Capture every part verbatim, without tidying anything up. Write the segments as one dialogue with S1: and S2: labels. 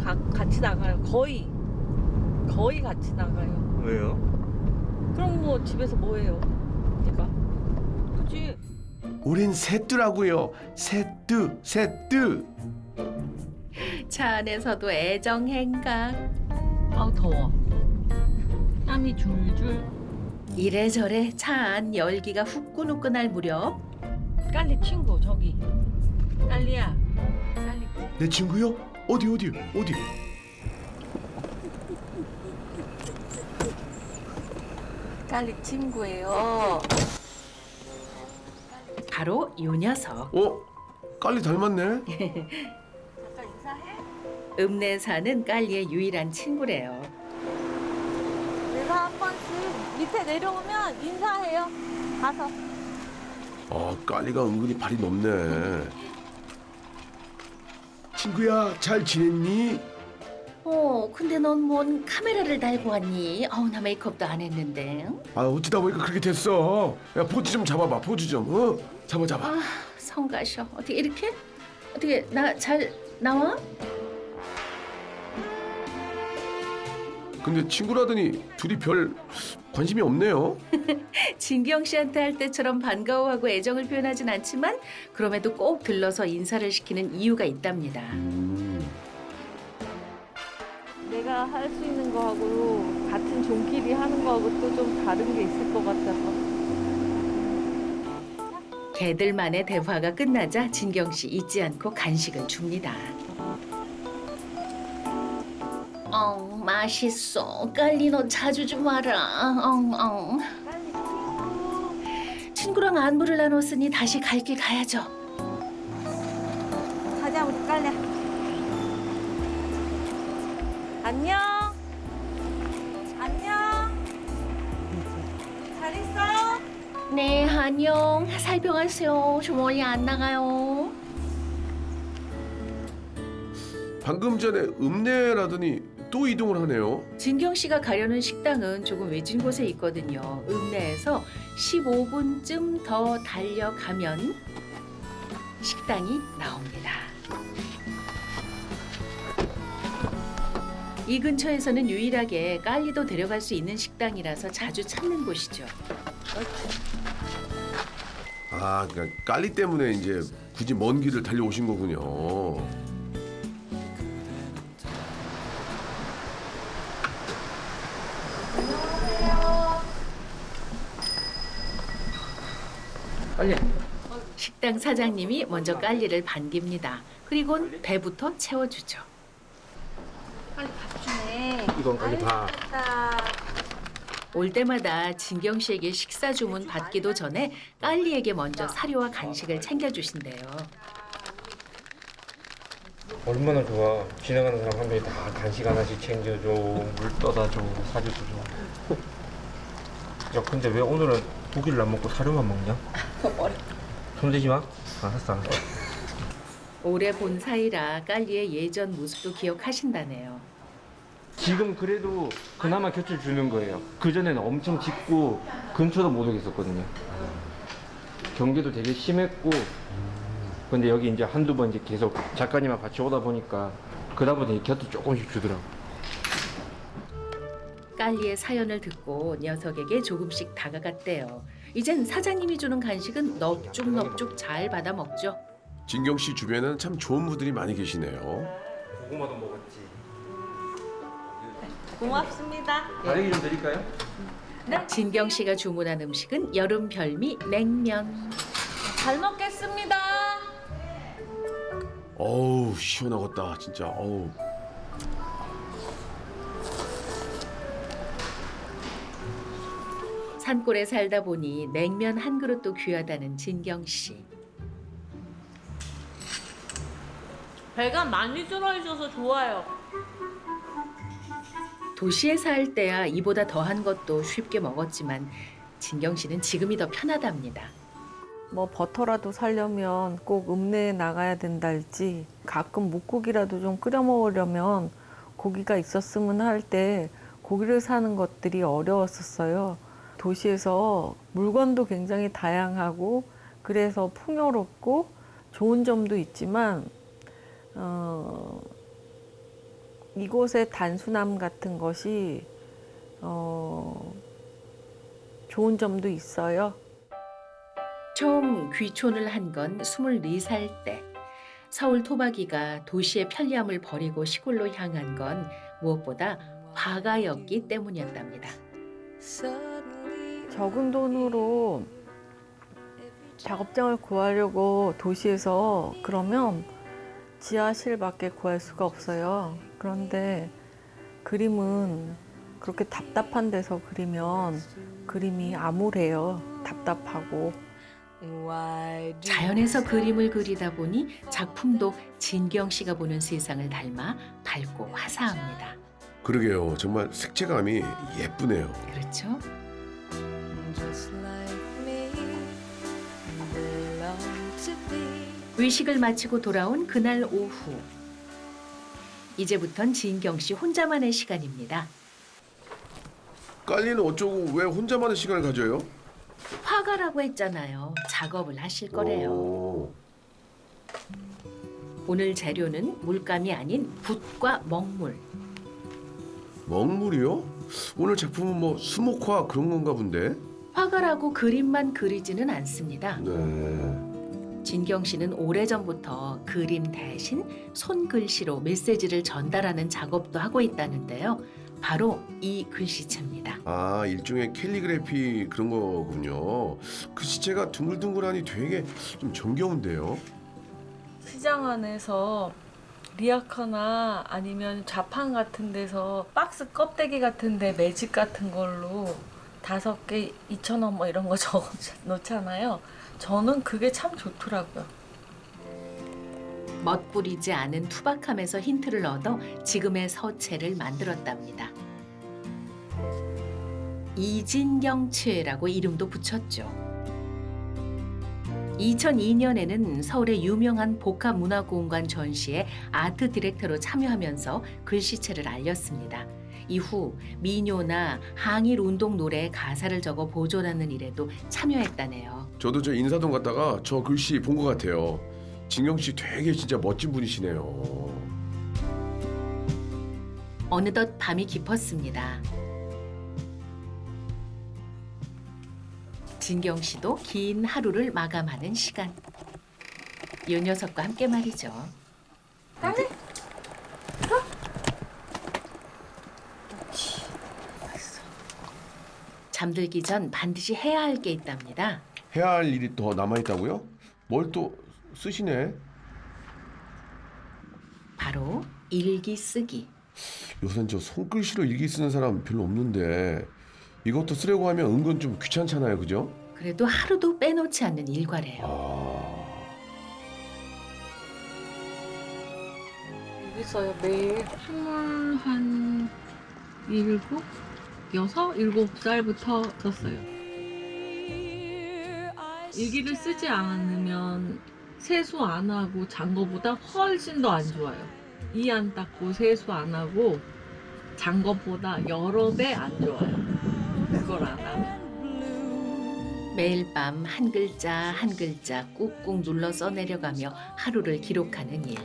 S1: 가, 같이 나가요. 거의 거의 같이 나가요.
S2: 왜요?
S1: 그럼 뭐 집에서 뭐 해요? 얘가 그치?
S3: 우린 셋두라고요. 셋두, 셋두.
S4: 차 안에서도 애정 행각.
S1: 아우 더워. 땀이 줄줄.
S4: 이래저래 차 안 열기가 후끈후끈할 무렵
S1: 깔리 친구 저기. 깔리야. 깔리.
S3: 내 친구요? 어디 어디 어디?
S1: 깔리 친구예요.
S4: 바로 요 녀석.
S3: 어? 깔리 닮았네.
S1: 잠깐 인사해.
S4: 읍내에 사는 깔리의 유일한 친구래요.
S1: 내가 한 번씩 밑에 내려오면 인사해요. 가서.
S3: 아, 깔리가 은근히 발이 높네. 친구야, 잘 지냈니?
S4: 어, 근데 넌 뭔 카메라를 달고 왔니? 어우, 나 메이크업도 안 했는데.
S3: 아, 어찌다 보니까 그렇게 됐어. 야, 포즈 좀 잡아봐, 포즈 좀. 어? 잡아, 잡아.
S4: 아, 성가셔. 어떻게 이렇게? 어떻게 나 잘 나와?
S3: 근데 친구라더니 둘이 별 관심이 없네요.
S4: 진경 씨한테 할 때처럼 반가워하고 애정을 표현하진 않지만 그럼에도 꼭 들러서 인사를 시키는 이유가 있답니다.
S3: 음.
S1: 내가 할 수 있는 거하고 같은 종끼리 하는 거하고 또 좀 다른 게 있을 것 같아서.
S4: 개들만의 대화가 끝나자 진경 씨 잊지 않고 간식을 줍니다. 어, 맛있어. 깔리 너 자주 좀 와라. 엉, 엉.
S1: 깔리 친구.
S4: 친구랑 안부를 나눴으니 다시 갈 길 가야죠.
S1: 가자 우리 깔리. 안녕. 안녕. 잘 있어?
S4: 네, 안녕. 살펴가세요. 저 멀리 안 나가요.
S3: 방금 전에 읍내라더니 또 이동을 하네요.
S4: 진경 씨가 가려는 식당은 조금 외진 곳에 있거든요. 읍내에서 십오 분쯤 더 달려가면 식당이 나옵니다. 이 근처에서는 유일하게 깔리도 데려갈 수 있는 식당이라서 자주 찾는 곳이죠.
S3: 아, 그러니까 깔리 때문에 이제 굳이 먼 길을 달려오신 거군요.
S2: 빨리.
S4: 식당 사장님이 먼저 깔리를 반깁니다. 그리곤 배부터 채워주죠.
S1: 빨리 밥 주네.
S2: 이건 빨리 봐.
S1: 맛있다.
S4: 올 때마다 진경 씨에게 식사 주문 받기도 전에 깔리에게 먼저 사료와 간식을 챙겨주신대요.
S2: 얼마나 좋아. 지나가는 사람 한 명이 다 간식 하나씩 챙겨줘. 물 떠다 줘. 사료도 줘. 야, 근데 왜 오늘은 고기를 안 먹고 사료만 먹냐? 손대지 마. 알았어, 알았어.
S4: 오래 본 사이라 깔리의 예전 모습도 기억하신다네요.
S2: 지금 그래도 그나마 곁을 주는 거예요. 그전에는 엄청 짖고 근처도 못 오겠었거든요. 경계도 되게 심했고, 근데 여기 이제 한두 번 이제 계속 작가님하고 같이 오다 보니까 그다음부터 이 곁을 조금씩 주더라고.
S4: 깔리의 사연을 듣고 녀석에게 조금씩 다가갔대요. 이젠 사장님이 주는 간식은 넙죽넙죽 잘 받아 먹죠.
S3: 진경 씨 주변에는 참 좋은 분들이 많이 계시네요.
S2: 고구마도 먹었지.
S1: 고맙습니다.
S2: 다리기 좀 드릴까요?
S4: 진경 씨가 주문한 음식은 여름 별미 냉면.
S1: 잘 먹겠습니다.
S3: 어우, 시원하겠다, 진짜. 어우.
S4: 산골에 살다 보니 냉면 한 그릇도 귀하다는 진경 씨.
S1: 배가 많이 들어있어서 좋아요.
S4: 도시에 살 때야 이보다 더한 것도 쉽게 먹었지만 진경 씨는 지금이 더 편하답니다.
S5: 뭐 버터라도 사려면 꼭 읍내에 나가야 된달지 가끔 묵고기라도 좀 끓여 먹으려면 고기가 있었으면 할 때 고기를 사는 것들이 어려웠었어요. 도시에서 물건도 굉장히 다양하고 그래서 풍요롭고 좋은 점도 있지만 어, 이곳의 단순함 같은 것이 어, 좋은 점도 있어요.
S4: 처음 귀촌을 한 건 스물네 살 때. 서울 토박이가 도시의 편리함을 버리고 시골로 향한 건 무엇보다 화가였기 때문이었답니다.
S5: 적은 돈으로 작업장을 구하려고 도시에서 그러면 지하실밖에 구할 수가 없어요. 그런데 그림은 그렇게 답답한 데서 그리면 그림이 암울해요. 답답하고.
S4: 자연에서 그림을 그리다 보니 작품도 진경 씨가 보는 세상을 닮아 밝고 화사합니다.
S3: 그러게요. 정말 색채감이 예쁘네요.
S4: 그렇죠? 의식을 마치고 돌아온 그날 오후. 이제부턴 진경 씨 혼자만의 시간입니다.
S3: 깔리는 어쩌고 왜 혼자만의 시간을 가져요?
S4: 화가라고 했잖아요. 작업을 하실 거래요.
S3: 오.
S4: 오늘 재료는 물감이 아닌 붓과 먹물.
S3: 먹물이요? 오늘 작품은 뭐 수목화 그런 건가 본데?
S4: 화가라고 그림만 그리지는 않습니다.
S3: 네.
S4: 진경 씨는 오래전부터 그림 대신 손글씨로 메시지를 전달하는 작업도 하고 있다는데요. 바로 이 글씨체입니다.
S3: 아, 일종의 캘리그래피 그런 거군요. 글씨체가 둥글둥글하니 되게 좀 정겨운데요.
S5: 시장 안에서 리아카나 아니면 자판 같은 데서 박스 껍데기 같은데 매직 같은 걸로 다섯 개 이천 원 뭐 이런 거 적어 놓잖아요. 저는 그게 참 좋더라고요.
S4: 멋부리지 않은 투박함에서 힌트를 얻어 지금의 서체를 만들었답니다. 이진경체라고 이름도 붙였죠. 이천이 년에는 서울의 유명한 복합문화공간 전시에 아트 디렉터로 참여하면서 글씨체를 알렸습니다. 이후 민요나 항일 운동 노래에 가사를 적어 보존하는 일에도 참여했다네요.
S3: 저도 저 인사동 갔다가 저 글씨 본 것 같아요. 진경 씨 되게 진짜 멋진 분이시네요.
S4: 어느덧 밤이 깊었습니다. 진경 씨도 긴 하루를 마감하는 시간. 이 녀석과 함께 말이죠.
S5: 빨리.
S4: 잠들기 전 반드시 해야 할 게 있답니다.
S3: 해야 할 일이 더 남아있다고요? 뭘 또 쓰시네?
S4: 바로 일기 쓰기.
S3: 요새는 저 손글씨로 일기 쓰는 사람 별로 없는데 이것도 쓰려고 하면 은근 좀 귀찮잖아요, 그죠?
S4: 그래도 하루도 빼놓지 않는 일과래요.
S3: 아...
S5: 여기 있어요 매일. 스물 한 일곱, 여섯, 일곱 살부터 썼어요. 일기를 쓰지 않으면 세수 안 하고 잔 거보다 훨씬 더 안 좋아요. 이 안 닦고 세수 안 하고 잔 것보다 여러 배 안 좋아요. 그걸 안 하면.
S4: 매일 밤 한 글자 한 글자 꾹꾹 눌러 써내려가며 하루를 기록하는 일.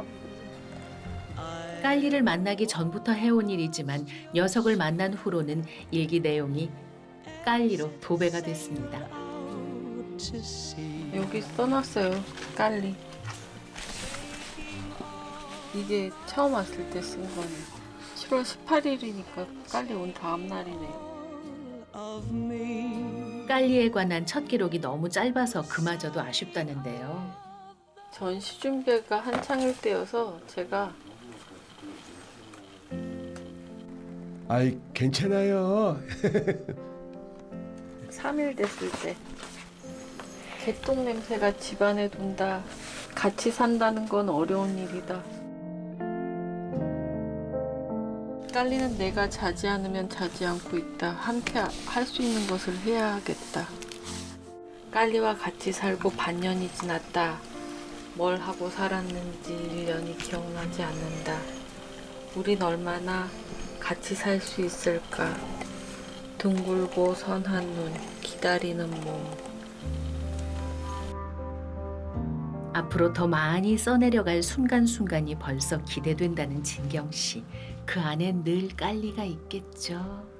S4: 깔리를 만나기 전부터 해온 일이지만 녀석을 만난 후로는 일기 내용이 깔리로 도배가 됐습니다.
S5: 여기 써놨어요. 깔리. 이게 처음 왔을 때 쓴 거네요. 칠월 십팔일이니까 깔리 온 다음 날이네요.
S4: 깔리에 관한 첫 기록이 너무 짧아서 그마저도 아쉽다는데요.
S5: 전시 준비가 한창일 때여서 제가
S3: 아이 괜찮아요.
S5: 삼 일 됐을 때 개똥 냄새가 집안에 돈다. 같이 산다는 건 어려운 일이다. 깔리는 내가 자지 않으면 자지 않고 있다. 함께 할 수 있는 것을 해야겠다. 깔리와 같이 살고 반년이 지났다. 뭘 하고 살았는지 일 년이 기억나지 않는다. 우린 얼마나 같이 살 수 있을까. 둥글고 선한 눈, 기다리는 몸.
S4: 앞으로 더 많이 써내려갈 순간순간이 벌써 기대된다는 진경 씨. 그 안에 늘 깔리가 있겠죠.